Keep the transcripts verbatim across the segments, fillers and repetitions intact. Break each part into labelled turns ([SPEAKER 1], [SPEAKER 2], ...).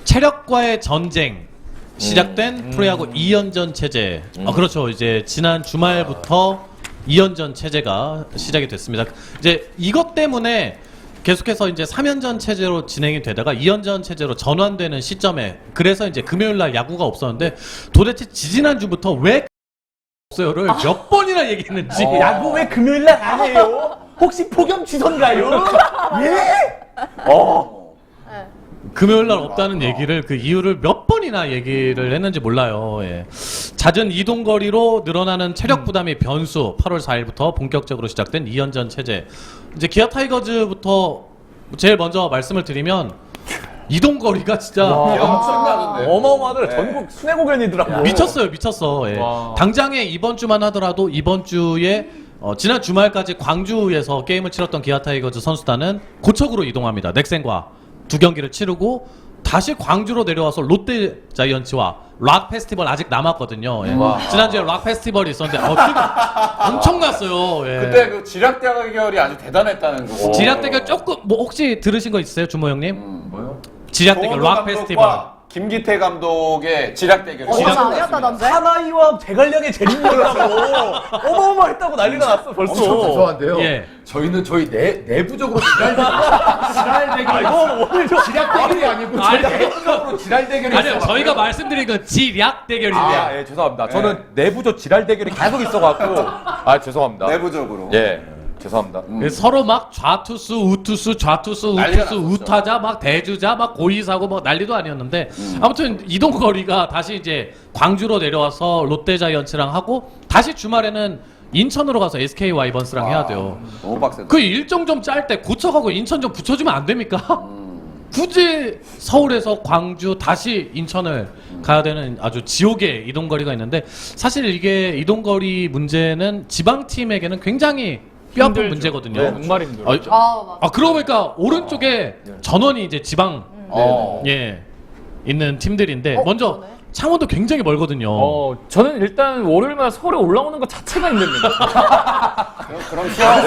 [SPEAKER 1] 체력과의 전쟁 시작된 음. 프로야구 음. 이 연전 체제. 음. 아, 그렇죠. 이제 지난 주말부터 이 연전 체제가 시작이 됐습니다. 이제 이것 때문에 계속해서 이제 삼 연전 체제로 진행이 되다가 이 연전 체제로 전환되는 시점에 그래서 이제 금요일 날 야구가 없었는데 도대체 지지난주부터 왜 없어요를 아. 몇 번이나 얘기했는지.
[SPEAKER 2] 어. 야구 왜 금요일 날 안 해요? 혹시 폭염 취소인가요? 예? 어.
[SPEAKER 1] 금요일 날 없다는 얘기를 그 이유를 몇 번이나 얘기를 했는지 몰라요. 예. 잦은 이동 거리로 늘어나는 체력 부담이 변수. 팔월 사일부터 본격적으로 시작된 이 연전 체제. 이제 기아 타이거즈부터 제일 먼저 말씀을 드리면 이동 거리가 진짜
[SPEAKER 2] 엄청나는데 어마어마하더라. 네. 전국 순회 공연이더라고.
[SPEAKER 1] 미쳤어요, 미쳤어. 예. 당장에 이번 주만 하더라도 이번 주에 어, 지난 주말까지 광주에서 게임을 치렀던 기아 타이거즈 선수단은 고척으로 이동합니다. 넥센과 두 경기를 치르고 다시 광주로 내려와서 롯데 자이언츠와 락 페스티벌 아직 남았거든요. 예. 지난주에 락 페스티벌이 있었는데 어, 엄청났어요. 예.
[SPEAKER 3] 그때 그 지략 대결이 아주 대단했다는 거.
[SPEAKER 1] 지략 대결 조금 뭐 혹시 들으신 거 있어요, 주모 형님?
[SPEAKER 3] 음, 뭐요?
[SPEAKER 1] 지략 대결 락 페스티벌.
[SPEAKER 3] 김기태 감독의 지략 대결.
[SPEAKER 4] 어, 아니었다던데?
[SPEAKER 2] 사나이와 제갈량의 재림이라고 어마어마했다고 난리가 났어 벌써.
[SPEAKER 5] 엄청 죄송한데요.
[SPEAKER 1] 예.
[SPEAKER 5] 저희는 저희 내, 내부적으로 지랄 대결, 지랄 대결.
[SPEAKER 2] 이거 오늘 좀
[SPEAKER 5] 지략 대결이 아니고
[SPEAKER 1] 아니,
[SPEAKER 5] 내부적으로 지랄 대결이
[SPEAKER 1] 아니요,
[SPEAKER 5] 있어요.
[SPEAKER 1] 저희가 말씀드린 건 지략 대결인데.
[SPEAKER 6] 아, 예, 죄송합니다. 저는 내부적 지랄 대결이 계속 있어갖고, 아, 죄송합니다.
[SPEAKER 3] 내부적으로.
[SPEAKER 6] 예, 죄송합니다.
[SPEAKER 1] 음. 서로 막 좌투수, 우투수, 좌투수, 우투수, 우타자, 막 대주자, 막 고의사고 막 난리도 아니었는데 음. 아무튼 이동 거리가 다시 이제 광주로 내려와서 롯데자이언츠랑 하고 다시 주말에는 인천으로 가서 에스케이 와이번스랑 해야 돼요.
[SPEAKER 3] 너무 빡세다.
[SPEAKER 1] 그 일정 좀 짤 때 고척하고 인천 좀 붙여주면 안 됩니까? 음. 굳이 서울에서 광주 다시 인천을 음. 가야 되는 아주 지옥의 이동거리가 있는데 사실 이게 이동거리 문제는 지방팀에게는 굉장히 뼈아픈 문제거든요.
[SPEAKER 6] 네, 정말 힘들어요.
[SPEAKER 1] 아,
[SPEAKER 4] 아, 맞아.
[SPEAKER 1] 아 그러고 보니까 오른쪽에 전원이 이제 지방
[SPEAKER 3] 어.
[SPEAKER 1] 예 있는 팀들인데
[SPEAKER 4] 어,
[SPEAKER 1] 먼저
[SPEAKER 4] 그러네.
[SPEAKER 1] 창원도 굉장히 멀거든요.
[SPEAKER 2] 어, 저는 일단 월요일마다 서울에 올라오는 것 자체가 힘듭니다.
[SPEAKER 3] 그럼 쉬어.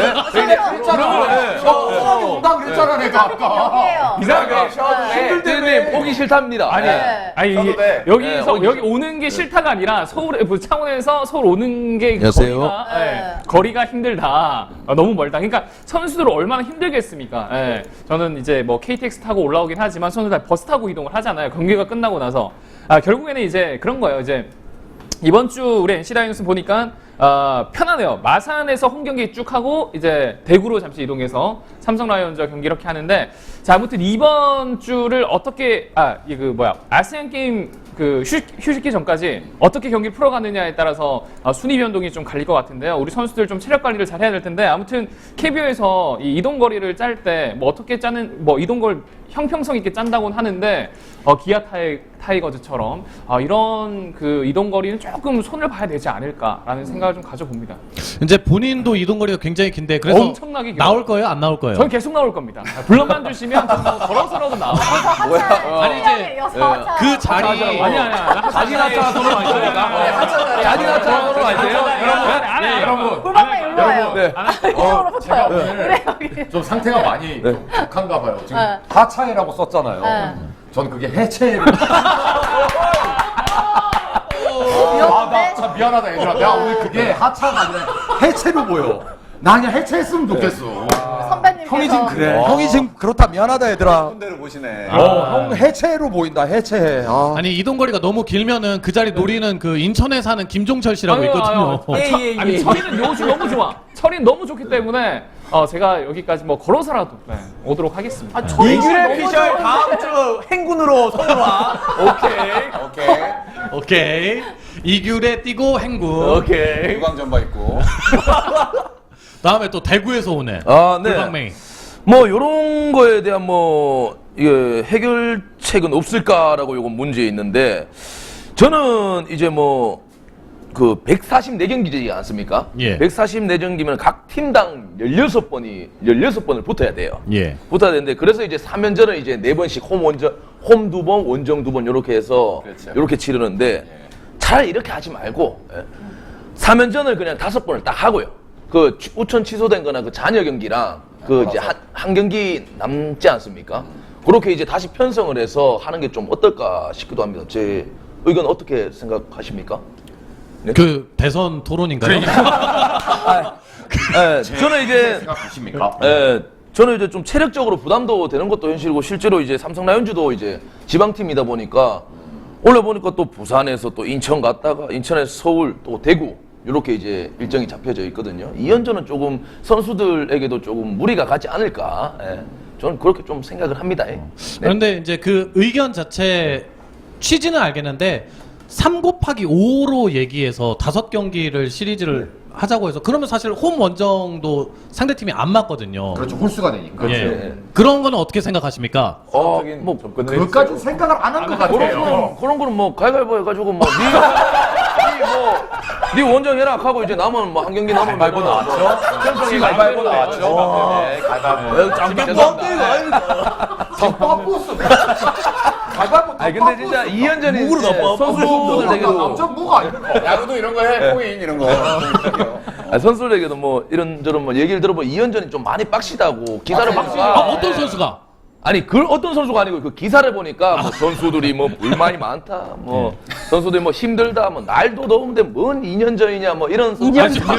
[SPEAKER 5] 나 그랬잖아 내가 아까.
[SPEAKER 4] 여기에요.
[SPEAKER 2] 이상하게
[SPEAKER 6] 힘들대네 보기 싫답니다.
[SPEAKER 2] 아니,
[SPEAKER 4] 네.
[SPEAKER 2] 아니
[SPEAKER 3] 써도
[SPEAKER 2] 이게
[SPEAKER 3] 돼.
[SPEAKER 2] 여기서
[SPEAKER 6] 네,
[SPEAKER 2] 여기 오는 게 싫다가 아니라 서울에 뭐 창원에서 서울 오는 게
[SPEAKER 6] 안녕하세요.
[SPEAKER 2] 거리가, 예,
[SPEAKER 4] 네.
[SPEAKER 2] 거리가 힘들다. 아, 너무 멀다. 그러니까 선수들 얼마나 힘들겠습니까? 예, 저는 이제 뭐 케이티엑스 타고 올라오긴 하지만 선수들 다 버스 타고 이동을 하잖아요. 경기가 끝나고 나서 아, 결국에는 이제 그런 거예요. 이제 이번 주 우리 엔씨 다이노스 보니까 어, 편하네요. 마산에서 홈 경기 쭉 하고 이제 대구로 잠시 이동해서 삼성 라이온즈와 경기 이렇게 하는데 자 아무튼 이번 주를 어떻게 아 이 그 뭐야 아시안 게임 그 휴식, 휴식기 전까지 어떻게 경기를 풀어가느냐에 따라서 어, 순위 변동이 좀 갈릴 것 같은데요. 우리 선수들 좀 체력 관리를 잘 해야 될 텐데 아무튼 케이비오에서 이 이동 거리를 짤 때 뭐 어떻게 짜는 뭐 이동 걸 형평성 있게 짠다고는 하는데 어, 기아 타이, 타이거즈처럼 어, 이런 그 이동 거리는 조금 손을 봐야 되지 않을까라는 생각을 좀 가져봅니다.
[SPEAKER 1] 이제 본인도 이동 거리가 굉장히 긴데 그래서
[SPEAKER 2] 엄청나게 길어요.
[SPEAKER 1] 나올 거예요, 안 나올 거예요?
[SPEAKER 2] 저는 계속 나올 겁니다. 불러만 주시면 뭐 걸어서라도 나오고.
[SPEAKER 1] 아니, 이제 그 자리
[SPEAKER 2] 아니 아니야.
[SPEAKER 6] 자기 나타나 서로 안 돼요. 자기 나타나 서로 안 돼요.
[SPEAKER 5] 여러분,
[SPEAKER 4] 골반만 일로 와요.
[SPEAKER 6] 네.
[SPEAKER 4] 이쪽으로 붙어요.
[SPEAKER 5] 오늘
[SPEAKER 4] 그래,
[SPEAKER 5] 좀 상태가 많이
[SPEAKER 6] 네.
[SPEAKER 5] 좀 격한가 봐요. 지금
[SPEAKER 4] 네.
[SPEAKER 5] 하차해라고 썼잖아요.
[SPEAKER 4] 네.
[SPEAKER 5] 전 그게 해체로. 아,
[SPEAKER 4] 위험한데?
[SPEAKER 5] 나 진짜 미안하다 얘들아. 내가 오늘 그게 하차가 아니라 해체로 보여. 나 그냥 해체했으면 좋겠어.
[SPEAKER 4] 선배님께서
[SPEAKER 6] 형이 지금 그래. 형이 지금 그렇다 미안하다 얘들아.
[SPEAKER 3] 손대를 보시네.
[SPEAKER 6] 어, 형 해체로 보인다. 해체해. 아.
[SPEAKER 1] 아니 이동 거리가 너무 길면은 그 자리 노리는 그 인천에 사는 김종철 씨라고 있거든요.
[SPEAKER 2] 예, 예, 아니 철이는 요즘 너무 좋아. 철이는 너무 좋기 때문에 어, 제가 여기까지 뭐 걸어서라도 네, 오도록 하겠습니다.
[SPEAKER 4] 아, 저희
[SPEAKER 2] 이규래
[SPEAKER 4] 너무
[SPEAKER 2] 피셜
[SPEAKER 4] 좋은데?
[SPEAKER 2] 다음 주 행군으로 서울 와. 오케이.
[SPEAKER 3] 오케이.
[SPEAKER 1] 오케이. 이규래 뛰고 행군.
[SPEAKER 2] 오케이.
[SPEAKER 3] 유광 전바 있고.
[SPEAKER 1] 다음에 또 대구에서 오네.
[SPEAKER 6] 아, 네.
[SPEAKER 1] 불방맹이.
[SPEAKER 6] 뭐 요런 거에 대한 뭐 이게 해결책은 없을까라고 요건 문제 있는데 저는 이제 뭐 그 백사십사 경기지 않습니까?
[SPEAKER 1] 예.
[SPEAKER 6] 백사십사 경기면 각 팀당 열여섯 번이 열여섯 번을 붙어야 돼요.
[SPEAKER 1] 예.
[SPEAKER 6] 붙어야 되는데 그래서 이제 삼 연전을 이제 네 번씩 홈 원정 홈 두 번, 원정 두 번 요렇게 해서
[SPEAKER 3] 그렇죠.
[SPEAKER 6] 요렇게 치르는데 차라리 이렇게 하지 말고 예. 삼 연전을 그냥 다섯 번을 딱 하고요. 그 취- 우천 취소된 거나 그 잔여 경기랑 그 이제 한, 한 경기 남지 않습니까? 그렇게 이제 다시 편성을 해서 하는 게 좀 어떨까 싶기도 합니다. 제 의견 어떻게 생각하십니까?
[SPEAKER 1] 그 대선 토론인가요?
[SPEAKER 6] 예, 저는 이제
[SPEAKER 5] 생각하십니까?
[SPEAKER 6] 예, 저는 이제 좀 체력적으로 부담도 되는 것도 현실이고 실제로 이제 삼성 라이온즈도 이제 지방팀이다 보니까 원래 보니까 또 부산에서 또 인천 갔다가 인천에서 서울 또 대구 이렇게 이제 일정이 잡혀져 있거든요. 이 연전은 조금 선수들에게도 조금 무리가 가지 않을까. 예, 저는 그렇게 좀 생각을 합니다. 예. 네.
[SPEAKER 1] 그런데 이제 그 의견 자체 취지는 알겠는데 삼 곱하기 오로 얘기해서 다섯 경기를 시리즈를 하자고 해서 그러면 사실 홈 원정도 상대팀이 안 맞거든요.
[SPEAKER 5] 그렇죠. 홀수가 되니까.
[SPEAKER 1] 예.
[SPEAKER 6] 예.
[SPEAKER 1] 그런 거는 어떻게 생각하십니까?
[SPEAKER 6] 어, 뭐
[SPEAKER 5] 그것까지 생각을 안 한 것
[SPEAKER 6] 그런
[SPEAKER 5] 같아요.
[SPEAKER 6] 거는 그런 거는 뭐 가위바위보 해가지고 뭐 니, 니 뭐, 니 원정 해라 하고 이제 남은 뭐 한 경기 남은
[SPEAKER 3] 가위바위보 나왔죠?
[SPEAKER 6] 평평히
[SPEAKER 3] 가위바위보 나왔죠? 네, 가위바위보.
[SPEAKER 6] 짱짱
[SPEAKER 5] 바꿨어.
[SPEAKER 6] 아니 근데 진짜 이 연전이 선수들에게도
[SPEAKER 5] 남전 무가 아닙니까?
[SPEAKER 3] 야구도 이런 거 해, 코인 이런 거.
[SPEAKER 6] 아, 선수들에게도 뭐 이런저런 뭐 얘기를 들어보면 이 연전이 좀 많이 빡시다고 기사를
[SPEAKER 1] 아,
[SPEAKER 6] 보니까
[SPEAKER 1] 어떤 선수가?
[SPEAKER 6] 아니 그 어떤 선수가 아니고 그 기사를 보니까 뭐 선수들이 뭐 불만이 많다 뭐 선수들이 뭐 힘들다 뭐 날도 더운데 뭔 이 년 전이냐 뭐 이런 이 년 전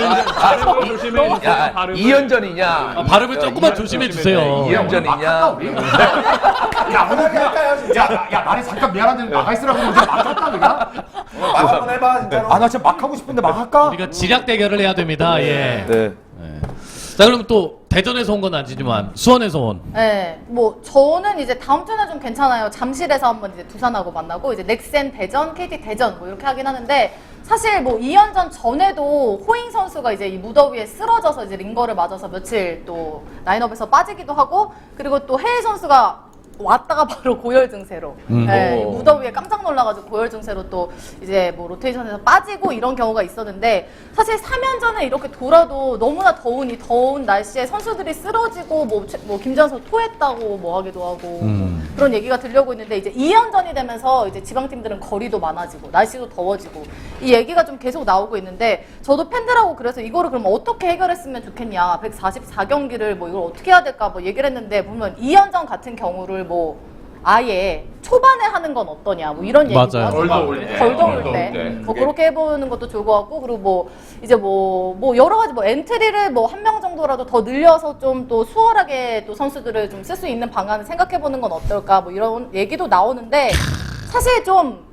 [SPEAKER 6] 야 이 년 전이냐
[SPEAKER 1] 아, 발음을 조금만 조심해 주세요.
[SPEAKER 6] 이 년 전이냐
[SPEAKER 5] 야, 오늘 그냥 야, 야, 나리 잠깐 미안한데 나가 있으라고 그러면 이제 막 할까 그냥?
[SPEAKER 3] 말 한번 해봐, 진짜로.
[SPEAKER 5] 아, 나 진짜 막 하고 싶은데 막 할까?
[SPEAKER 1] 우리가 지략 대결을 해야 됩니다. 예.
[SPEAKER 6] 네.
[SPEAKER 1] 자, 그러면 또 대전에서 온 건 아니지만 수원에서 온.
[SPEAKER 4] 네, 뭐 저는 이제 다음 주는 좀 괜찮아요. 잠실에서 한번 이제 두산하고 만나고 이제 넥센 대전, 케이티 대전 뭐 이렇게 하긴 하는데 사실 뭐 이 연전 전에도 호잉 선수가 이제 이 무더위에 쓰러져서 이제 링거를 맞아서 며칠 또 라인업에서 빠지기도 하고 그리고 또 해외 선수가 왔다가 바로 고열 증세로
[SPEAKER 1] 음.
[SPEAKER 4] 네, 무더위에 깜짝 놀라가지고 고열 증세로 또 이제 뭐 로테이션에서 빠지고 이런 경우가 있었는데 사실 삼 연전에 이렇게 돌아도 너무나 더우니 더운 날씨에 선수들이 쓰러지고 뭐, 최- 뭐 김전수 토했다고 뭐 하기도 하고
[SPEAKER 1] 음.
[SPEAKER 4] 그런 얘기가 들려오고 있는데 이제 이 연전이 되면서 이제 지방팀들은 거리도 많아지고 날씨도 더워지고 이 얘기가 좀 계속 나오고 있는데 저도 팬들하고 그래서 이거를 그럼 어떻게 해결했으면 좋겠냐 백사십사 경기를 뭐 이걸 어떻게 해야 될까 뭐 얘기를 했는데 보면 이 연전 같은 경우를 뭐 아예 초반에 하는 건 어떠냐 뭐 이런 얘기도
[SPEAKER 1] 맞아요.
[SPEAKER 4] 하고
[SPEAKER 5] 덜 더울 때.
[SPEAKER 4] 덜 더울
[SPEAKER 5] 덜
[SPEAKER 4] 때
[SPEAKER 5] 더울 때.
[SPEAKER 4] 뭐 그렇게 해보는 것도 좋을 것 같고 그리고 뭐 이제 뭐 뭐 여러 가지 뭐 엔트리를 뭐 한 명 정도라도 더 늘려서 좀 또 수월하게 또 선수들을 좀 쓸 수 있는 방안을 생각해 보는 건 어떨까 뭐 이런 얘기도 나오는데 사실 좀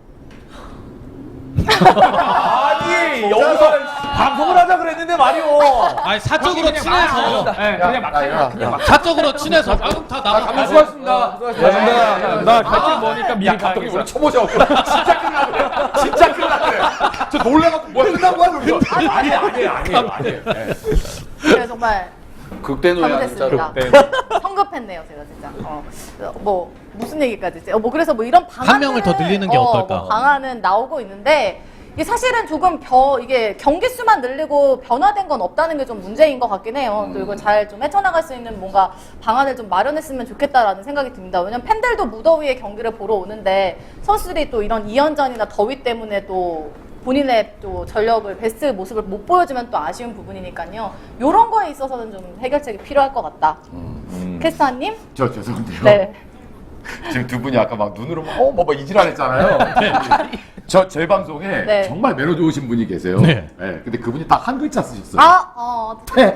[SPEAKER 3] 아니, 여기서 방송을 하자 그랬는데 말이오.
[SPEAKER 1] 아니 사적으로 친해서.
[SPEAKER 2] 네, 그냥 막
[SPEAKER 3] 야,
[SPEAKER 2] 그냥 막
[SPEAKER 1] 사적으로 친해서. 아, 그럼 다 나가.
[SPEAKER 3] 수고하셨습니다. 수고하셨습니다.
[SPEAKER 2] 나 갈길 머니까 미리
[SPEAKER 3] 야, 감독님
[SPEAKER 2] 가야겠어.
[SPEAKER 3] 우리 쳐보자. 진짜 큰일 났네. 진짜 큰일 났네. 저 놀래갖고 뭐야 끝난 거야 그러면. 아니 아니 아니 아니.
[SPEAKER 4] 제가 정말
[SPEAKER 3] 극대노야 진짜로.
[SPEAKER 4] 잘못했습니다. 성급했네요, 제가 진짜. 어, 뭐 무슨 얘기까지 했지? 어, 뭐 그래서 뭐 이런 방안
[SPEAKER 1] 한 명을 더 늘리는 게 어떨까?
[SPEAKER 4] 뭐 방안은 나오고 있는데 이게 사실은 조금 벼 이게 경기 수만 늘리고 변화된 건 없다는 게 좀 문제인 것 같긴 해요. 또 이걸 잘 좀 헤쳐나갈 수 있는 뭔가 방안을 좀 마련했으면 좋겠다라는 생각이 듭니다. 왜냐면 팬들도 무더위에 경기를 보러 오는데 선수들이 또 이런 이 연전이나 더위 때문에 또 본인의 또 전력을 베스트 모습을 못 보여주면 또 아쉬운 부분이니까요. 이런 거에 있어서는 좀 해결책이 필요할 것 같다. 캐스터님?
[SPEAKER 5] 저 죄송한데요.
[SPEAKER 4] 네.
[SPEAKER 5] 지금 두 분이 아까 막 눈으로 막, 어, 뭐, 뭐 이질하랬잖아요. 저, 제 방송에
[SPEAKER 4] 네.
[SPEAKER 5] 정말 매너 좋으신 분이 계세요.
[SPEAKER 1] 네.
[SPEAKER 5] 네, 근데 그분이 딱 한 글자 쓰셨어요.
[SPEAKER 4] 아, 어.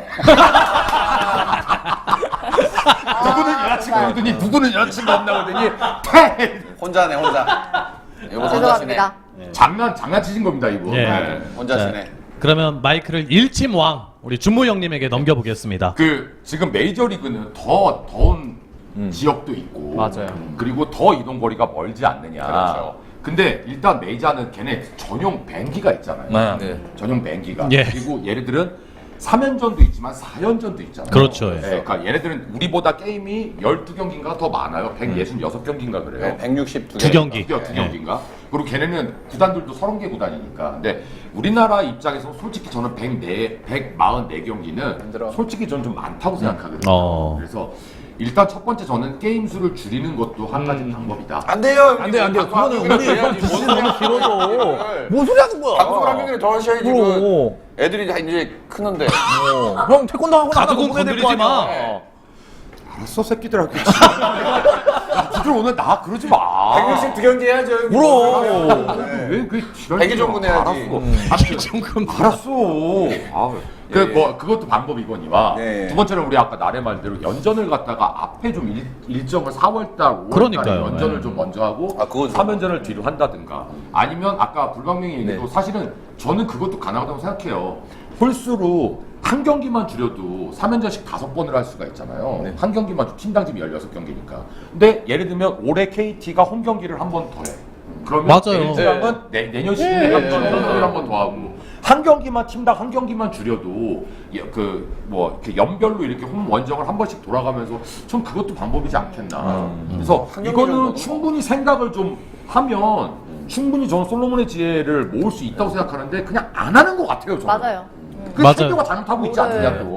[SPEAKER 5] 누구는 여자친구더니 누구는 여자친구 없나 그러더니 퇴!
[SPEAKER 3] 혼자네 혼자. 이거 혼자시네.
[SPEAKER 4] 죄송합니다.
[SPEAKER 5] 장난, 장난치신 겁니다, 이거.
[SPEAKER 1] 예.
[SPEAKER 5] 네.
[SPEAKER 3] 혼자시네.
[SPEAKER 1] 그러면 마이크를 일침왕 우리 준무 형님에게 넘겨보겠습니다.
[SPEAKER 5] 그, 지금 메이저리그는 더 더운 지역도 있고.
[SPEAKER 2] 맞아요.
[SPEAKER 5] 그리고 더 이동거리가 멀지 않느냐.
[SPEAKER 3] 그렇죠.
[SPEAKER 5] 근데 일단 메이저는 걔네 전용 뱅기가 있잖아요.
[SPEAKER 6] 네.
[SPEAKER 5] 전용 뱅기가.
[SPEAKER 1] 예.
[SPEAKER 5] 그리고 얘네들은 삼 연전도 있지만 사 연전도 있잖아요.
[SPEAKER 1] 그렇죠, 예.
[SPEAKER 5] 네, 그러니까 얘네들은 우리보다 게임이 열두 경기인가 더 많아요. 백육십육 경기인가 그래요.
[SPEAKER 3] 네, 백육십이
[SPEAKER 1] 두 경기.
[SPEAKER 5] 두, 경- 두
[SPEAKER 1] 예.
[SPEAKER 5] 경기인가? 그리고 걔네는 구단들도 서른 개 구단이니까. 근데 우리나라 입장에서 솔직히 저는 백사십사 경기는
[SPEAKER 3] 힘들어.
[SPEAKER 5] 솔직히 저는 좀 많다고 생각하거든요.
[SPEAKER 1] 어.
[SPEAKER 5] 그래서 일단 첫 번째 저는 게임 수를 줄이는 것도 한 가지 방법이다.
[SPEAKER 3] 안 돼요.
[SPEAKER 7] 안 돼, 안 돼. 그거는 우리 형 디스는 너무 길어져.
[SPEAKER 3] 네.
[SPEAKER 7] 뭔 소리 하는 거야?
[SPEAKER 3] 방송을 한 경기를 더 하셔야지. 그
[SPEAKER 7] 어.
[SPEAKER 3] 애들이 다 이제 크는데.
[SPEAKER 7] 어. 형 태권도 하고 나서
[SPEAKER 1] 가족은
[SPEAKER 7] 공부해야 될거
[SPEAKER 1] 건드리지 마.
[SPEAKER 7] 아니야.
[SPEAKER 5] 알았어, 새끼들하고. 니들 오늘 나 그러지 마.
[SPEAKER 3] 백육십 두 경기 해야죠.
[SPEAKER 6] 그럼.
[SPEAKER 5] 왜그 지랄?
[SPEAKER 3] 백일종군 해야지.
[SPEAKER 5] 알았어. 알았어. 아, 그 뭐 그것도 방법이거니와
[SPEAKER 3] 네.
[SPEAKER 5] 두 번째는 우리 아까 나래 말대로 연전을 갖다가 앞에 좀 일, 일정을 사월달, 오월달에
[SPEAKER 1] 그러니까요.
[SPEAKER 5] 연전을
[SPEAKER 1] 네.
[SPEAKER 5] 좀 먼저 하고
[SPEAKER 3] 아, 그거 좋아.
[SPEAKER 5] 삼 연전을 뒤로 한다든가 아니면 아까 불광명이 얘기도
[SPEAKER 6] 네.
[SPEAKER 5] 사실은 저는 그것도 가능하다고 생각해요. 홀수로 한 경기만 줄여도 삼 연전씩 다섯 번을 할 수가 있잖아요.
[SPEAKER 3] 네.
[SPEAKER 5] 한 경기만 팀당 지금 열여섯 경기니까. 근데 예를 들면 올해 케이티가 홈 경기를 한 번 더 해. 그러면
[SPEAKER 1] 맞아요.
[SPEAKER 5] 엘지랑은 내, 내년 시즌에 한번 한번 더 하고 한 경기만 팀당 한 경기만 줄여도 그 뭐 이렇게 연별로 이렇게 홈 원정을 한 번씩 돌아가면서 전 그것도 방법이지 않겠나. 그래서
[SPEAKER 3] 한 경기
[SPEAKER 5] 이거는
[SPEAKER 3] 정도는
[SPEAKER 5] 충분히 생각을 좀 하면 충분히 저는 솔로몬의 지혜를 모을 수 있다고 생각하는데 그냥 안 하는 것 같아요. 저는.
[SPEAKER 4] 맞아요.
[SPEAKER 5] 그
[SPEAKER 1] 맞아요.
[SPEAKER 5] 케이비오가 잘못하고 있지 않느냐 또.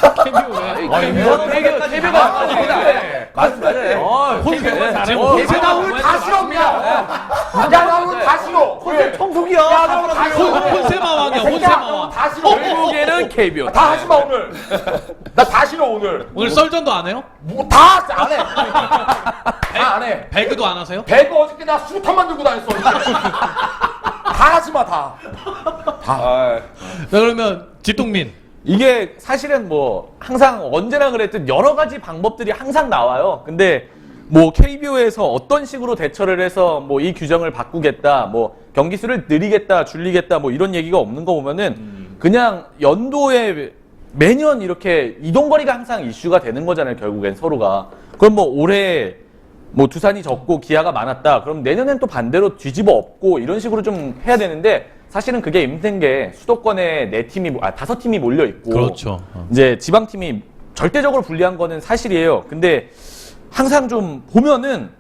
[SPEAKER 6] 이건 되게 케비가 맞아 맞아.
[SPEAKER 1] 혼, 지금
[SPEAKER 5] 나
[SPEAKER 1] 혼세다,
[SPEAKER 5] 오늘 다 싫어 그냥. 야나 오늘 다 싫어. 그래.
[SPEAKER 6] 청소기야.
[SPEAKER 5] 야나 오늘 다
[SPEAKER 1] 혼,
[SPEAKER 5] 싫어.
[SPEAKER 1] 혼세마왕이야,
[SPEAKER 5] 새끼야,
[SPEAKER 1] 혼세마왕.
[SPEAKER 5] 다 싫어.
[SPEAKER 6] 결국에는 케이비오.
[SPEAKER 5] 다 하지 마 오늘. 나 다 싫어 오늘.
[SPEAKER 1] 오늘 썰전도 안 해요?
[SPEAKER 5] 뭐다안 해. 다 안 해.
[SPEAKER 1] 배그도 안 하세요?
[SPEAKER 5] 배그 어저께 나 수류탄만 들고 다녔어. 다 하지 마 다.
[SPEAKER 3] 아,
[SPEAKER 1] 자, 그러면 집동민.
[SPEAKER 7] 이게 사실은 뭐 항상 언제나 그랬듯 여러 가지 방법들이 항상 나와요. 근데 뭐 케이비오에서 어떤 식으로 대처를 해서 뭐 이 규정을 바꾸겠다, 뭐 경기 수를 늘리겠다, 줄이겠다, 뭐 이런 얘기가 없는 거 보면은 그냥 연도에 매년 이렇게 이동거리가 항상 이슈가 되는 거잖아요. 결국엔 서로가. 그럼 뭐 올해 뭐 두산이 적고 기아가 많았다. 그럼 내년엔 또 반대로 뒤집어 엎고 이런 식으로 좀 해야 되는데 사실은 그게 힘든 게 수도권에 네 팀이 아 다섯 팀이 몰려 있고
[SPEAKER 1] 그렇죠. 어.
[SPEAKER 7] 이제 지방 팀이 절대적으로 불리한 거는 사실이에요. 근데 항상 좀 보면은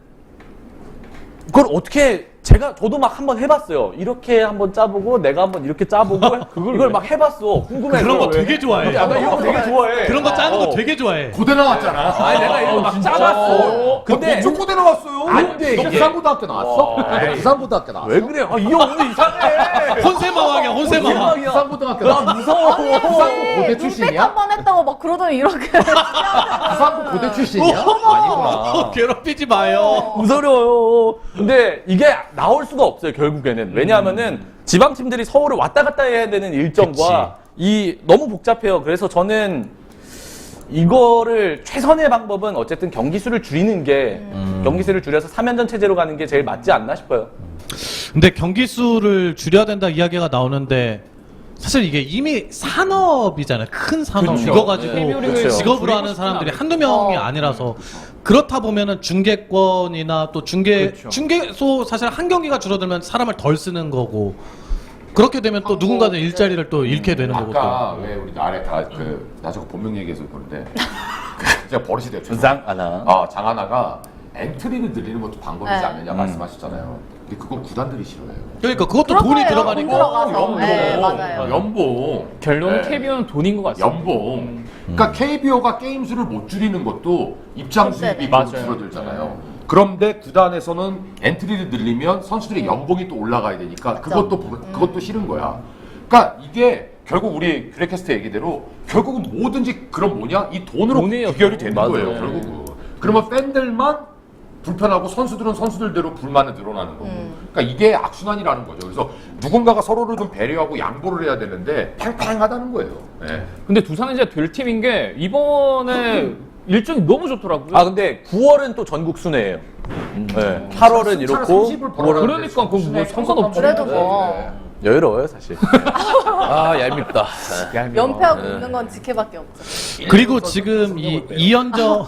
[SPEAKER 7] 그걸 어떻게 제가 저도 막 한번 해봤어요. 이렇게 한번 짜보고 내가 한번 이렇게 짜보고 그걸 이걸 막 해봤어. 궁금해서.
[SPEAKER 1] 그런 거 되게 좋아해.
[SPEAKER 7] 아, 나 이런 거 되게 좋아해.
[SPEAKER 1] 그런 거 짜는 거
[SPEAKER 7] 어.
[SPEAKER 1] 되게 좋아해.
[SPEAKER 5] 고대 나왔잖아.
[SPEAKER 7] 아니 내가 이거 막 짜봤어. 근데
[SPEAKER 5] 무슨 고대 나왔어요?
[SPEAKER 7] 안 돼,
[SPEAKER 5] 너
[SPEAKER 7] 이게.
[SPEAKER 5] 부산고등학교 나왔어? 너 부산고등학교 나왔어?
[SPEAKER 7] 왜 그래? 아, 이 형 오늘 이상해.
[SPEAKER 1] 혼세마왕이야, 혼세마왕.
[SPEAKER 5] 부산고등학교
[SPEAKER 7] 나
[SPEAKER 5] 나왔어?
[SPEAKER 7] 무서워.
[SPEAKER 5] 부산고 고대
[SPEAKER 4] 눈빛
[SPEAKER 5] 출신이야?
[SPEAKER 4] 한 번 했다고 막 그러더니 이렇게.
[SPEAKER 5] 부산고 고대 출신이야?
[SPEAKER 1] 아니구나. 괴롭히지 마요.
[SPEAKER 7] 무서워요. 근데 이게 나올 수가 없어요, 결국에는. 왜냐하면은 지방팀들이 서울을 왔다 갔다 해야 되는 일정과 이 너무 복잡해요. 그래서 저는 이거를 최선의 방법은 어쨌든 경기 수를 줄이는 게 경기 수를 줄여서 삼 연전 체제로 가는 게 제일 맞지 않나 싶어요.
[SPEAKER 1] 근데 경기 수를 줄여야 된다 이야기가 나오는데 사실 이게 이미 산업이잖아요. 큰 산업.
[SPEAKER 7] 그렇죠.
[SPEAKER 1] 이거 가지고
[SPEAKER 7] 네. 그렇죠.
[SPEAKER 1] 직업으로 하는 사람들이 한두 명이
[SPEAKER 4] 어.
[SPEAKER 1] 아니라서 그렇다 보면은 중계권이나 또 중계
[SPEAKER 7] 그렇죠.
[SPEAKER 1] 중계소 사실 한 경기가 줄어들면 사람을 덜 쓰는 거고 그렇게 되면 또 누군가는 일자리를 또 잃게 되는 거고 또.
[SPEAKER 5] 아까 왜 우리 나래 다그나 저거 본명 얘기해서 그런데 제가 버릇이 돼요.
[SPEAKER 7] 장 하나.
[SPEAKER 5] 아 장하나가 엔트리를 늘리는 것도 방법이지
[SPEAKER 4] 네.
[SPEAKER 5] 않느냐 말씀하셨잖아요. 근데 그거 구단들이 싫어해요.
[SPEAKER 1] 그러니까 그것도
[SPEAKER 4] 그런
[SPEAKER 1] 돈이
[SPEAKER 4] 거예요.
[SPEAKER 1] 들어가니까.
[SPEAKER 4] 돈 들어가서.
[SPEAKER 5] 연봉,
[SPEAKER 4] 네, 맞아요.
[SPEAKER 5] 연봉.
[SPEAKER 2] 결론은
[SPEAKER 5] 네.
[SPEAKER 2] 케이비오는 돈인 것 같습니다.
[SPEAKER 5] 연봉. 그러니까 케이비오가 게임 수를 못 줄이는 것도 입장 수입이
[SPEAKER 4] 맞아요.
[SPEAKER 5] 계속 줄어들잖아요. 그런데 구단에서는 엔트리를 늘리면 선수들의 연봉이 또 올라가야 되니까 그것도 보- 그것도 싫은 거야. 그러니까 이게 결국 우리 그레캐스트 얘기대로 결국은 뭐든지 그런 뭐냐 이 돈으로
[SPEAKER 2] 돈이에요,
[SPEAKER 5] 귀결이
[SPEAKER 2] 돈.
[SPEAKER 5] 되는
[SPEAKER 7] 맞아요.
[SPEAKER 5] 거예요. 결국은. 그러면 팬들만 불편하고 선수들은 선수들대로 불만은 늘어나는 거고. 그러니까 이게 악순환이라는 거죠. 그래서 누군가가 서로를 좀 배려하고 양보를 해야 되는데 팽팽하다는 거예요. 네.
[SPEAKER 2] 근데 두산은 이제 될 팀인 게 이번에 일정이 너무 좋더라고요.
[SPEAKER 7] 아 근데 구월은 또 전국 순회예요. 네. 팔월은 이렇고 구월은
[SPEAKER 2] 그러니까 그건 뭐 상관없죠.
[SPEAKER 4] 그래도 뭐
[SPEAKER 7] 여유로워요 사실.
[SPEAKER 6] 아 얄밉다.
[SPEAKER 4] 연패하고 있는 건 지켜밖에 없죠.
[SPEAKER 1] 그리고 지금 이 이연전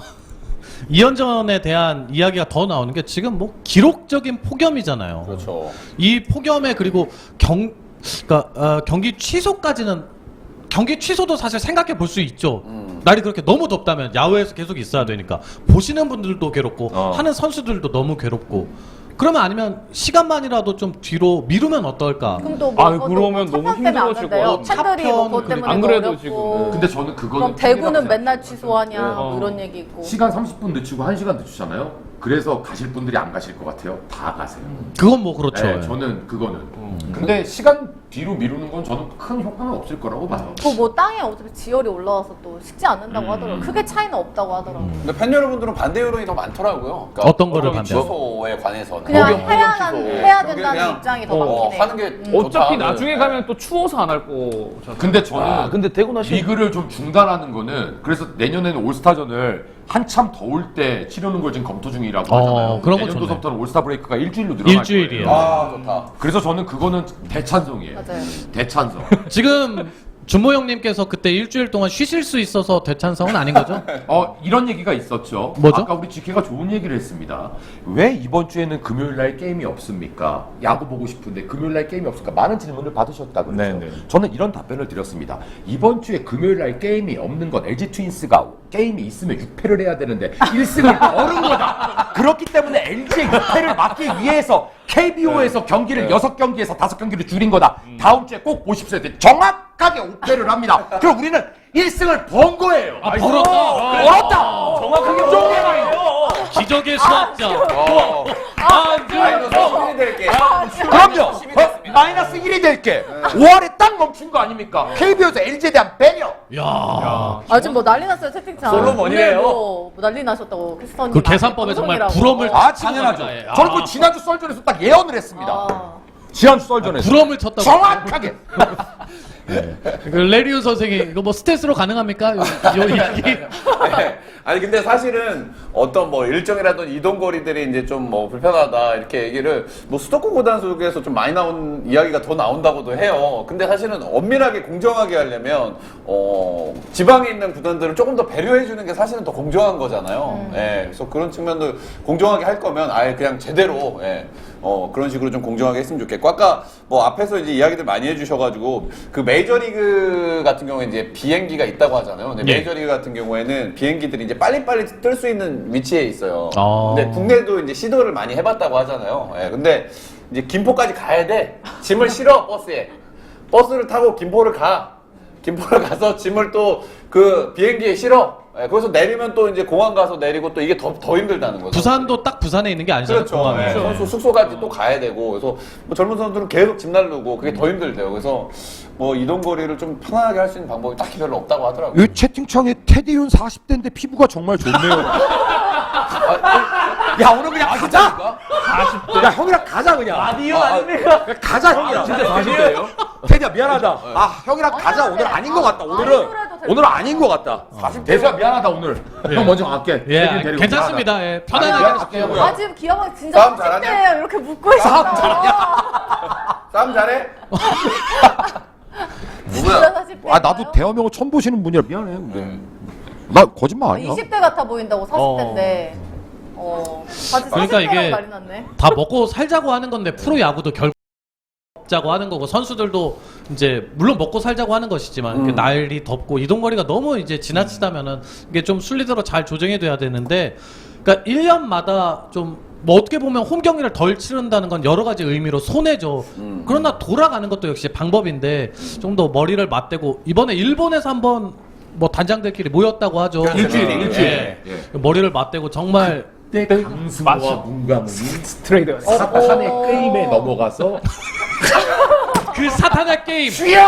[SPEAKER 1] 이연전에 대한 이야기가 더 나오는 게 지금 뭐 기록적인 폭염이잖아요.
[SPEAKER 3] 그렇죠.
[SPEAKER 1] 이 폭염에 그리고 경 그러니까 어, 경기 취소까지는 경기 취소도 사실 생각해 볼 수 있죠. 날이 그렇게 너무 덥다면 야외에서 계속 있어야 되니까 보시는 분들도 괴롭고
[SPEAKER 7] 어.
[SPEAKER 1] 하는 선수들도 너무 괴롭고 그러면 아니면 시간만이라도 좀 뒤로 미루면 어떨까?
[SPEAKER 4] 그럼 또뭐
[SPEAKER 2] 아유, 그러면 너무 힘들어질 것 같아요.
[SPEAKER 4] 팬들이 뭐 그것
[SPEAKER 1] 차편,
[SPEAKER 4] 때문에
[SPEAKER 2] 안
[SPEAKER 4] 더
[SPEAKER 2] 그래도
[SPEAKER 4] 어렵고.
[SPEAKER 2] 지금.
[SPEAKER 5] 근데 저는 그거는
[SPEAKER 4] 그럼 대구는
[SPEAKER 5] 팬이라고
[SPEAKER 4] 맨날 취소하냐
[SPEAKER 5] 네.
[SPEAKER 4] 뭐 이런 얘기 있고.
[SPEAKER 5] 시간 삼십 분 늦추고 한 시간 늦추잖아요. 그래서 가실 분들이 안 가실 것 같아요. 다 가세요.
[SPEAKER 1] 그건 뭐 그렇죠.
[SPEAKER 5] 네,
[SPEAKER 1] 예.
[SPEAKER 5] 저는 그거는. 근데 시간 뒤로 미루는 건 저는 큰 효과는 없을 거라고 봐요.
[SPEAKER 4] 그 뭐 땅에 어차피 지열이 올라와서 또 식지 않는다고 하더라고요. 크게 차이는 없다고 하더라고요.
[SPEAKER 8] 근데 팬 여러분들은 반대 여론이 더 많더라고요. 그러니까
[SPEAKER 1] 어떤 거를 반대요?
[SPEAKER 8] 취소에 관해서는.
[SPEAKER 4] 그냥
[SPEAKER 8] 복용,
[SPEAKER 4] 해야,
[SPEAKER 8] 복용 취소.
[SPEAKER 4] 해야
[SPEAKER 8] 경기
[SPEAKER 4] 된다는
[SPEAKER 8] 그냥,
[SPEAKER 4] 입장이 더
[SPEAKER 8] 어,
[SPEAKER 4] 많긴 해요.
[SPEAKER 8] 하는 게
[SPEAKER 4] 음.
[SPEAKER 8] 좋다.
[SPEAKER 2] 어차피
[SPEAKER 8] 네.
[SPEAKER 2] 나중에 가면 또 추워서 안 할 거.
[SPEAKER 5] 근데 저는
[SPEAKER 6] 아, 근데 되고 나시
[SPEAKER 5] 리그를 좀 중단하는 거는 그래서 내년에는 올스타전을 한참 더울 때 치르는 걸 지금 검토 중이라고
[SPEAKER 1] 어,
[SPEAKER 5] 하잖아요.
[SPEAKER 1] 그런 건
[SPEAKER 5] 내년도부터는 올스타 브레이크가 일주일로 늘어날
[SPEAKER 1] 일주일이에요.
[SPEAKER 5] 거예요.
[SPEAKER 8] 아, 좋다.
[SPEAKER 5] 그래서 저는 그거는 대찬성이에요.
[SPEAKER 4] 맞아요.
[SPEAKER 5] 대찬성.
[SPEAKER 1] 지금 준모 형님께서 그때 일주일 동안 쉬실 수 있어서 대찬성은 아닌 거죠?
[SPEAKER 5] 어 이런 얘기가 있었죠.
[SPEAKER 1] 뭐죠?
[SPEAKER 5] 아까 우리 지케가 좋은 얘기를 했습니다. 왜 이번 주에는 금요일 날 게임이 없습니까? 야구 보고 싶은데 금요일 날 게임이 없을까? 많은 질문을 받으셨다 그러죠.
[SPEAKER 7] 네, 네.
[SPEAKER 5] 저는 이런 답변을 드렸습니다. 이번 주에 금요일 날 게임이 없는 건 엘지 트윈스가 게임이 있으면 육 패를 해야 되는데 일 승을 거른 거다. 그렇기 때문에 엘지의 육 패를 막기 위해서 케이비오에서 경기를 여섯 경기에서 다섯 경기를 줄인 거다. 다음 주에 꼭 보십시오. 정확하게 오 패를 합니다. 그럼 우리는 일 승을 번 거예요.
[SPEAKER 1] 아, 벌었다.
[SPEAKER 5] 벌었다.
[SPEAKER 7] 정확하게 정해요.
[SPEAKER 1] 기적의 수학자.
[SPEAKER 4] 아,
[SPEAKER 8] 마이너스 일이 될게.
[SPEAKER 5] 그럼요. 어? 마이너스 일이 될게. 오월에 딱 멈춘 거 아닙니까? 케이비오에서 엘지에 대한 배려.
[SPEAKER 1] 야.
[SPEAKER 4] 아, 지금 뭐 난리 났어요, 채팅창.
[SPEAKER 7] 솔로몬이에요.
[SPEAKER 4] 오늘 뭐, 뭐 난리 나셨다고, 캐스터님.
[SPEAKER 1] 그 계산법에 정말 부러움을
[SPEAKER 5] 아 당연하죠.
[SPEAKER 1] 아.
[SPEAKER 5] 저는 그 지난주 썰전에서 딱 예언을 했습니다.
[SPEAKER 4] 아,
[SPEAKER 5] 지난주 썰전에서.
[SPEAKER 1] 부러움을 쳤다고.
[SPEAKER 5] 정확하게.
[SPEAKER 1] 그 레리온 선생이 이거 뭐 스탯으로 가능합니까? 요, 요 얘기.
[SPEAKER 8] 네. 아니 근데 사실은 어떤 뭐 일정이라든 이동 거리들이 이제 좀 뭐 불편하다 이렇게 얘기를 뭐 수도권 구단 속에서 좀 많이 나온 이야기가 더 나온다고도 해요. 근데 사실은 엄밀하게 공정하게 하려면 어 지방에 있는 구단들을 조금 더 배려해 주는 게 사실은 더 공정한 거잖아요.
[SPEAKER 4] 음.
[SPEAKER 8] 예. 그래서 그런 측면도 공정하게 할 거면 아예 그냥 제대로 예. 어 그런 식으로 좀 공정하게 했으면 좋겠고 아까 뭐 앞에서 이제 이야기들 많이 해주셔가지고 그 메이저리그 같은 경우에 이제 비행기가 있다고 하잖아요. 근데
[SPEAKER 1] 예.
[SPEAKER 8] 메이저리그 같은 경우에는 비행기들이 이제 빨리빨리 뜰 수 있는 위치에 있어요.
[SPEAKER 1] 아.
[SPEAKER 8] 근데 국내도 이제 시도를 많이 해봤다고 하잖아요. 예, 근데 이제 김포까지 가야 돼. 짐을 실어 버스에. 버스를 타고 김포를 가. 김포를 가서 짐을 또 그 비행기에 실어. 예, 거기서 내리면 또 이제 공항 가서 내리고 또 이게 더, 더 힘들다는 거죠.
[SPEAKER 1] 부산도 딱 부산에 있는 게 아니잖아요.
[SPEAKER 8] 그렇죠.
[SPEAKER 1] 공항에.
[SPEAKER 8] 네. 선수 숙소까지 또 가야 되고 그래서 뭐 젊은 선수들은 계속 짐 나르고 그게 더 힘들대요. 그래서 뭐 이동 거리를 좀 편안하게 할 수 있는 방법이 딱히 별로 없다고 하더라고요.
[SPEAKER 5] 이 채팅창에 테디윤 사십 대인데 피부가 정말 좋네요. 야 오늘 그냥 가자. 야 형이랑 가자 그냥.
[SPEAKER 7] 라디오 아닙니까?
[SPEAKER 5] 그냥 가자 형이랑.
[SPEAKER 7] 진짜 사십 대예요?
[SPEAKER 5] 테디야 미안하다. 아 형이랑 가자. 오늘 아닌 것 같다. 오늘은
[SPEAKER 4] 아니더라도 될
[SPEAKER 5] 오늘은 아닌 것 같다. 대수야 미안하다 오늘. 형 먼저 갈게.
[SPEAKER 1] 예,
[SPEAKER 5] 테디 데리고
[SPEAKER 1] 괜찮습니다. 예, 편안하게
[SPEAKER 5] 미안하다.
[SPEAKER 1] 하십시오.
[SPEAKER 4] 아, 지금 기아방 진짜
[SPEAKER 8] 싸움
[SPEAKER 4] 삼십
[SPEAKER 8] 잘하냐?
[SPEAKER 4] 대예요. 이렇게 묻고 있어.
[SPEAKER 8] 싸움 잘해?
[SPEAKER 4] 진짜
[SPEAKER 8] 누구야?
[SPEAKER 4] 사십 대.
[SPEAKER 5] 아 나도 대화명을 처음 보시는 분이라 미안해. 근데 나 거짓말 아니야.
[SPEAKER 4] 이십 대 같아 보인다고 사십 대인데. 어. 바지
[SPEAKER 1] 그러니까
[SPEAKER 4] 사십 대라고
[SPEAKER 1] 이게
[SPEAKER 4] 난리 났네.
[SPEAKER 1] 다 먹고 살자고 하는 건데 프로 야구도 결국 먹자고 하는 거고 선수들도 이제 물론 먹고 살자고 하는 것이지만
[SPEAKER 8] 음.
[SPEAKER 1] 이렇게 날이 덥고 이동거리가 너무 이제 지나치다면은 이게 좀 순리대로 잘 조정해 둬야 되는데 그러니까 일 년마다 좀 뭐 어떻게 보면 홈 경기를 덜 치른다는 건 여러 가지 의미로 손해죠.
[SPEAKER 8] 음.
[SPEAKER 1] 그러나 돌아가는 것도 역시 방법인데 좀 더 머리를 맞대고 이번에 일본에서 한번 뭐 단장들끼리 모였다고 하죠.
[SPEAKER 5] 일주일에,
[SPEAKER 1] 예.
[SPEAKER 5] 일주일에.
[SPEAKER 1] 예. 머리를 맞대고 정말
[SPEAKER 5] 그때 강승호와 문강훈이
[SPEAKER 2] 스트레이드.
[SPEAKER 5] 사탄의
[SPEAKER 4] 어.
[SPEAKER 5] 게임에 넘어가서
[SPEAKER 1] 그 사탄의 게임
[SPEAKER 5] 쥐야!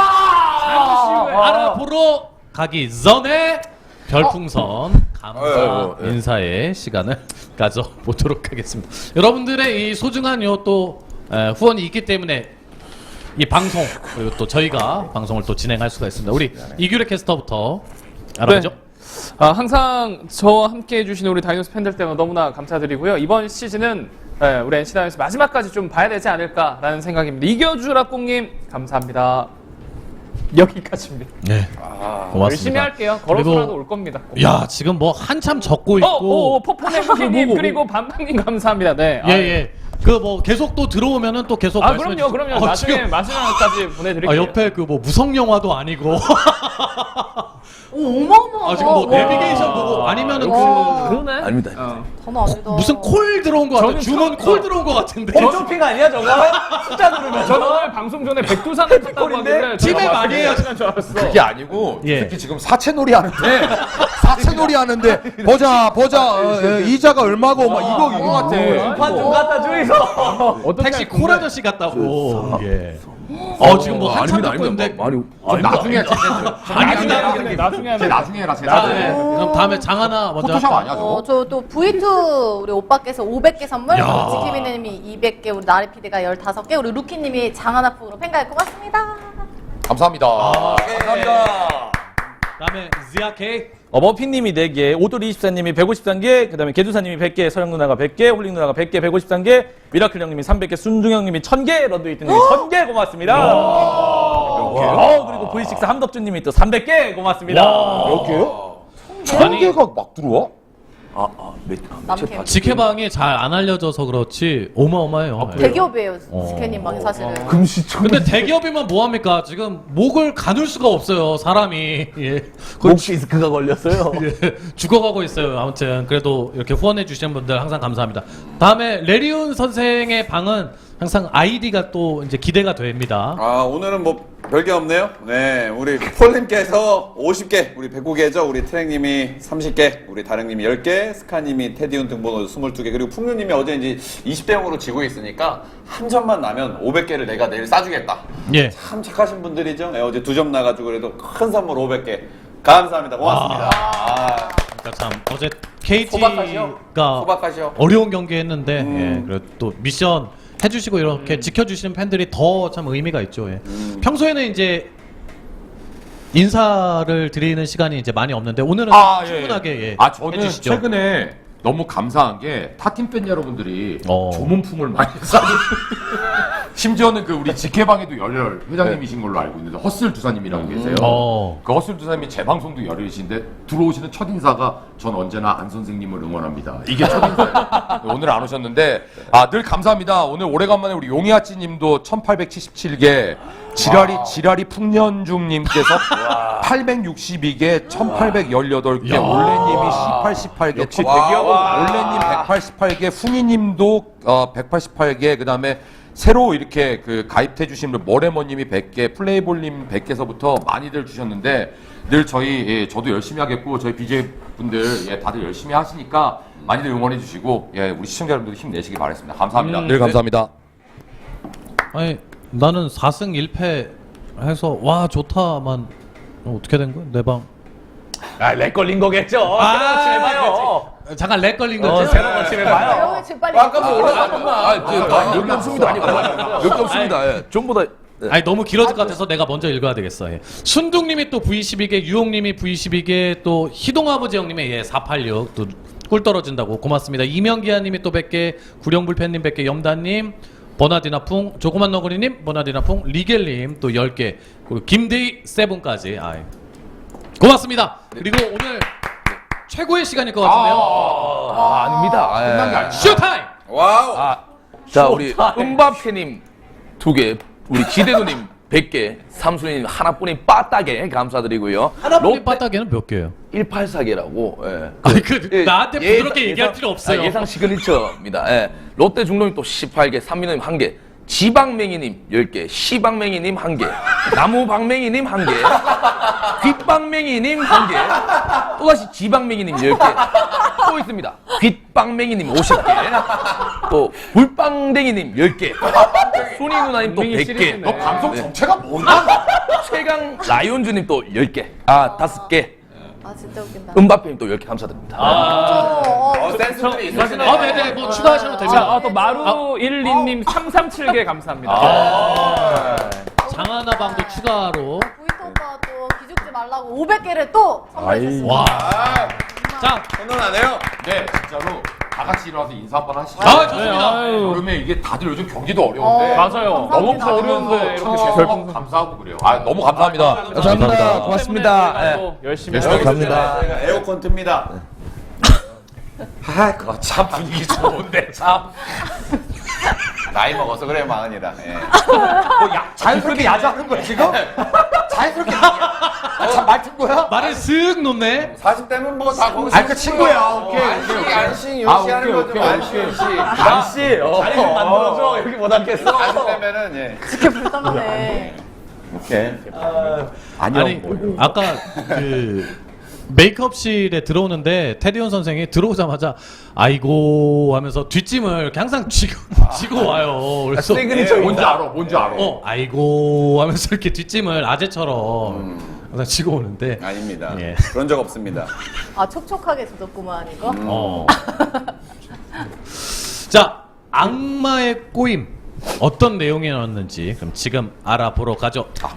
[SPEAKER 1] 알아보러 가기 전에 별풍선 감사
[SPEAKER 6] 아이고, 예.
[SPEAKER 1] 인사의 시간을 가져보도록 하겠습니다. 여러분들의 이 소중한 요 또 후원이 있기 때문에 이 방송 그리고 또 저희가 방송을 또 진행할 수가 있습니다. 우리 이규래 캐스터부터 알아보죠.
[SPEAKER 2] 네. 아, 항상 저와 함께 해주시는 우리 다이노스 팬들 때문에 너무나 감사드리고요. 이번 시즌은 예, 우리 엔씨 다이노스 마지막까지 좀 봐야 되지 않을까라는 생각입니다. 이겨주라 꽁님 감사합니다. 여기까지입니다.
[SPEAKER 1] 네, 고맙습니다.
[SPEAKER 2] 열심히 할게요. 걸어서라도 올 겁니다.
[SPEAKER 1] 야 지금 뭐 한참 적고
[SPEAKER 2] 어,
[SPEAKER 1] 있고
[SPEAKER 2] 오, 오, 포포네프님 그리고 반방님 감사합니다. 네. 아,
[SPEAKER 1] 예예 그 뭐 계속 또 들어오면은 또 계속
[SPEAKER 2] 아,
[SPEAKER 1] 말씀해
[SPEAKER 2] 그럼요,
[SPEAKER 1] 주시-
[SPEAKER 2] 그럼요.
[SPEAKER 1] 어,
[SPEAKER 2] 나중에
[SPEAKER 1] 지금-
[SPEAKER 2] 마지막까지 보내드릴게요.
[SPEAKER 1] 아, 옆에 그 뭐 무성 영화도 아니고
[SPEAKER 4] 오, 어마어마하다.
[SPEAKER 1] 아 지금 뭐
[SPEAKER 4] 와.
[SPEAKER 1] 내비게이션 보고 아니면은
[SPEAKER 4] 와.
[SPEAKER 1] 그
[SPEAKER 2] 그러네.
[SPEAKER 6] 아닙니다.
[SPEAKER 2] 어.
[SPEAKER 4] 전화 아니다.
[SPEAKER 1] 무슨 콜 들어온 것 같아.
[SPEAKER 2] 저는
[SPEAKER 1] 주문
[SPEAKER 2] 저-
[SPEAKER 1] 콜 들어온 것 같은데.
[SPEAKER 7] 홈쇼핑 아니야 저거? 숫자 누르면
[SPEAKER 2] 저는 오늘 방송 전에 백두산을 탔다고
[SPEAKER 7] 콜인데?
[SPEAKER 2] 하길래
[SPEAKER 1] 팀에
[SPEAKER 2] 제가
[SPEAKER 1] 많이 해야지.
[SPEAKER 2] 시간 줄 알았어.
[SPEAKER 5] 그게 아니고
[SPEAKER 1] 예.
[SPEAKER 5] 이 새끼 지금 사채놀이 하는데 사채놀이 하는데 보자 보자 어, 어, 이자가 얼마고 막 이거 이거 같아.
[SPEAKER 7] 판좀 갖다 주이소.
[SPEAKER 2] 어떤
[SPEAKER 1] 택시
[SPEAKER 2] 날
[SPEAKER 1] 콜 아저씨 같다고. 예. 어, 지금 뭐 한참
[SPEAKER 6] 아닙니다,
[SPEAKER 1] 듣고 있는데.
[SPEAKER 6] 아니,
[SPEAKER 5] 좀 나중에 제
[SPEAKER 1] 아니,
[SPEAKER 2] 나중에 나중에
[SPEAKER 5] 제
[SPEAKER 2] 하면
[SPEAKER 5] 나중에 해라 제
[SPEAKER 1] 아,
[SPEAKER 5] 나중에.
[SPEAKER 1] 네. 그럼 다음에 장 하나 먼저.
[SPEAKER 5] 포토샵
[SPEAKER 1] 할까?
[SPEAKER 5] 아니야 저거?
[SPEAKER 4] 어, 저 또 브이투 우리 오빠께서 오백 개 선물,
[SPEAKER 1] 야.
[SPEAKER 4] 지키비님이 이백 개, 우리 나리 피디가 십오 개, 우리 루키님이 장하나풍으로 팬가입 고맙습니다.
[SPEAKER 5] 감사합니다.
[SPEAKER 6] 감사합니다.
[SPEAKER 1] 다음에 지아케이.
[SPEAKER 7] 어, 머피님이 네 개, 오돌이 이십사님이 백오십삼 개, 그 다음에 개두사님이 백 개, 서영 누나가 백 개, 홀링 누나가 백 개, 백오십삼 개, 미라클 형님이 삼백 개, 순중형님이 천 개, 런드위트님이 천 개 고맙습니다. 어, 그리고 브이식스 함덕준님이 또 삼백 개 고맙습니다.
[SPEAKER 5] 몇 개요? 천 개가 막 들어와?
[SPEAKER 6] 아, 아, 몇,
[SPEAKER 4] 남캠.
[SPEAKER 1] 직회방이 잘 안 알려져서 그렇지 어마어마해요. 예.
[SPEAKER 4] 대기업이에요,
[SPEAKER 1] 어.
[SPEAKER 4] 지케님 방이 사실은.
[SPEAKER 1] 근데 대기업이면 뭐합니까? 지금 목을 가눌 수가 없어요, 사람이. 예. 거의
[SPEAKER 7] 목 디스크가 걸렸어요.
[SPEAKER 1] 예, 죽어가고 있어요. 아무튼 그래도 이렇게 후원해 주시는 분들 항상 감사합니다. 다음에 레리운 선생의 방은 항상 아이디가 또 이제 기대가 됩니다.
[SPEAKER 8] 아 오늘은 뭐 별게 없네요. 네, 우리 폴님께서 오십 개, 우리 백구 개죠. 우리 트랙님이 삼십 개, 우리 다령님이 열 개, 스카님이 테디운 등번호 스물두 개, 그리고 풍류님이 어제 이제 이십 대 영으로 지고 있으니까 한 점만 나면 오백 개를 내가 내일 싸주겠다.
[SPEAKER 1] 예.
[SPEAKER 8] 참 착하신 분들이죠. 네, 어제 두 점 나가지고 그래도 큰 선물 오백 개 감사합니다. 고맙습니다. 아,
[SPEAKER 1] 그러니까 참 어제
[SPEAKER 8] 소박하시오?
[SPEAKER 1] 케이지가
[SPEAKER 8] 소박하시오?
[SPEAKER 1] 어려운 경기 했는데
[SPEAKER 8] 음.
[SPEAKER 1] 예, 그래도 또 미션 해주시고 이렇게 지켜주시는 팬들이 더 참 의미가 있죠. 예. 평소에는 이제 인사를 드리는 시간이 이제 많이 없는데 오늘은
[SPEAKER 5] 아, 예,
[SPEAKER 1] 충분하게 예,
[SPEAKER 5] 아 저는
[SPEAKER 1] 해주시죠.
[SPEAKER 5] 최근에 너무 감사한 게 타팀 팬 여러분들이
[SPEAKER 1] 어.
[SPEAKER 5] 조문풍을 많이 싸주. 심지어는 그 우리 직회방에도 열혈 회장님이신 걸로 알고 있는데 헛슬 두사님이라고 계세요.
[SPEAKER 1] 어.
[SPEAKER 5] 그 헛슬 두사님이 제 방송도 열혈이신데 들어오시는 첫 인사가 전 언제나 안 선생님을 응원합니다. 이게 첫 인사예요. 오늘 안 오셨는데 아 늘 감사합니다. 오늘 오래간만에 우리 용이아찌님도 천팔백칠십칠 개, 지라리 지라리 풍년중님께서 팔백육십이 개, 천팔백십팔 개, 올레님이 십팔십팔 개,
[SPEAKER 6] 역시
[SPEAKER 5] 와,
[SPEAKER 6] 대기업은
[SPEAKER 5] 올레님 백팔십팔 개, 훈이님도 어, 백팔십팔 개, 그 다음에 새로 이렇게 그 가입해 주신 분 머레머님이 백 개, 플레이볼님 백 개서부터 많이들 주셨는데 늘 저희 예, 저도 열심히 하겠고 저희 비제이 분들 예, 다들 열심히 하시니까 많이들 응원해 주시고 예, 우리 시청자 여러분들 힘내시길 바라겠습니다. 감사합니다.
[SPEAKER 1] 음,
[SPEAKER 5] 늘 감사합니다.
[SPEAKER 1] 아니 나는 사 승 일 패 해서 와 좋다만 어, 어떻게 된 거야? 내 방.
[SPEAKER 7] 아, 렉 걸린 거겠죠.
[SPEAKER 1] 아,
[SPEAKER 7] 새로 해봐요.
[SPEAKER 1] 잠깐 렉 걸린
[SPEAKER 7] 어,
[SPEAKER 1] 거지.
[SPEAKER 7] 새로 같이 해봐요.
[SPEAKER 4] 여기 지금 빨리.
[SPEAKER 8] 아까도 올라갔구나.
[SPEAKER 6] 아, 저, 몇개 없습니다. 아니, 몇 개 없습니다. 예. 전부 다. 예.
[SPEAKER 1] 아니 너무 길어질 것 같아서 내가 먼저 읽어야 되겠어. 예. 순둥님이 또 브이 십이 개, 유홍님이 브이 십이 개, 또 희동아버지 형님의 예, 사팔육 또 꿀 떨어진다고 고맙습니다. 이명기아님이 또 백 개, 구령불팬님 백 개, 염다님, 버나디나풍, 조그만 너구리님, 버나디나풍, 리겔님 또 열 개, 그리고 김대희 세븐까지. 아이. 고맙습니다. 그리고 오늘 최고의 시간일 것 같은데요.
[SPEAKER 6] 아, 아닙니다. 예.
[SPEAKER 1] 쇼타임.
[SPEAKER 8] 와우.
[SPEAKER 6] 아, 자, 우리 음바페님 두 개, 우리 기대누님 백 개, 삼순이님 하나뿐인 빠따게 감사드리고요.
[SPEAKER 1] 하나뿐인
[SPEAKER 6] 롯데
[SPEAKER 1] 빠따개는 몇 개예요?
[SPEAKER 6] 백팔십사 개라고. 예.
[SPEAKER 1] 아니 그
[SPEAKER 6] 예,
[SPEAKER 1] 나한테
[SPEAKER 6] 예,
[SPEAKER 1] 부드럽게
[SPEAKER 6] 예상-
[SPEAKER 1] 얘기할 필요 없어요.
[SPEAKER 6] 아, 예상 시그니처입니다. 예. 롯데 중동님 또 십팔 개, 삼민호님 한 개, 지방맹이님 열 개, 시방맹이님 한 개, 나무방맹이님 한 개, 귓방맹이님 한 개, 또다시 지방맹이님 열 개, 또 있습니다. 귓방맹이님 오십 개, 또 불빵댕이님 열 개, 순이 누나님 또
[SPEAKER 2] 맹이
[SPEAKER 6] 백 개,
[SPEAKER 2] 시리즈네.
[SPEAKER 5] 너 방송 정체가 뭐야?
[SPEAKER 6] 최강 라이온즈님 또 열 개, 아 다섯 개,
[SPEAKER 4] 아 진짜 웃긴다.
[SPEAKER 6] 음바페님 또 열 개 감사드립니다.
[SPEAKER 4] 저, 어,
[SPEAKER 8] 어, 센스들이 있으시네.
[SPEAKER 1] 아, 네네, 뭐 추가하셔도 됩니다.
[SPEAKER 2] 자, 아, 또 마루일리님 삼삼칠 개 감사합니다.
[SPEAKER 1] 장하나 방도 추가로.
[SPEAKER 4] 브이토 오빠가 또 기죽지 말라고 오백 개를 또 선물해줬습니다.
[SPEAKER 1] 와. 자,
[SPEAKER 8] 훈훈하네요.
[SPEAKER 5] 네, 진짜로 다 같이 일어나서 인사 한번 하시죠.
[SPEAKER 1] 아, 좋습니다.
[SPEAKER 2] 아유.
[SPEAKER 5] 여름에 이게 다들 요즘 경기도 어려운데
[SPEAKER 4] 어,
[SPEAKER 2] 맞아요.
[SPEAKER 5] 너무
[SPEAKER 4] 감사합니다.
[SPEAKER 2] 어려운데 이렇게
[SPEAKER 5] 이렇게 별풍 감사하고 그래요. 아 너무 감사합니다.
[SPEAKER 6] 감사합니다. 고맙습니다.
[SPEAKER 2] 때문에 또 열심히
[SPEAKER 5] 열심히
[SPEAKER 2] 하고
[SPEAKER 6] 감사합니다.
[SPEAKER 8] 저희가 에어컨 틉니다.
[SPEAKER 5] 아, 그거 참 분위기 좋은데 참.
[SPEAKER 8] 나이 먹어서 그래요, 마흔이라. 예.
[SPEAKER 5] 뭐 야, 자연스럽게 야자하는 거야 지금? 자연스럽게 참 말튼 거야?
[SPEAKER 1] 말을 슥 놓네.
[SPEAKER 8] 사십 대면 뭐 다 거기서.
[SPEAKER 5] 아니 그 친구야. 오케이.
[SPEAKER 8] 안식,
[SPEAKER 5] 오케이.
[SPEAKER 8] 안식,
[SPEAKER 5] 아,
[SPEAKER 8] 요시 하는
[SPEAKER 5] 오케이,
[SPEAKER 8] 거죠.
[SPEAKER 5] 오케이,
[SPEAKER 8] 안식,
[SPEAKER 5] 오케이.
[SPEAKER 8] 요시.
[SPEAKER 7] 안씨, 어. 자리 좀 만들어줘. 이렇게 못하겠어.
[SPEAKER 8] 사십 대면은, 예.
[SPEAKER 4] 이렇게 불쌍하네.
[SPEAKER 8] 오케이.
[SPEAKER 1] 아니, 아까 그 메이크업실에 들어오는데 테디온 선생이 들어오자마자 아이고 하면서 뒷짐을 이렇게 항상 쥐고, 쥐고 와요. 그래서
[SPEAKER 7] 시그니처
[SPEAKER 5] 뭔지 알아, 뭔지 알아.
[SPEAKER 1] 어 아이고 하면서 이렇게 뒷짐을 아재처럼 항상 쥐고 오는데
[SPEAKER 8] 아닙니다.
[SPEAKER 1] 예.
[SPEAKER 8] 그런 적 없습니다.
[SPEAKER 4] 아 촉촉하게 젖었구만 이거.
[SPEAKER 1] 어. 자 악마의 꼬임 어떤 내용이었는지 그럼 지금 알아보러 가죠.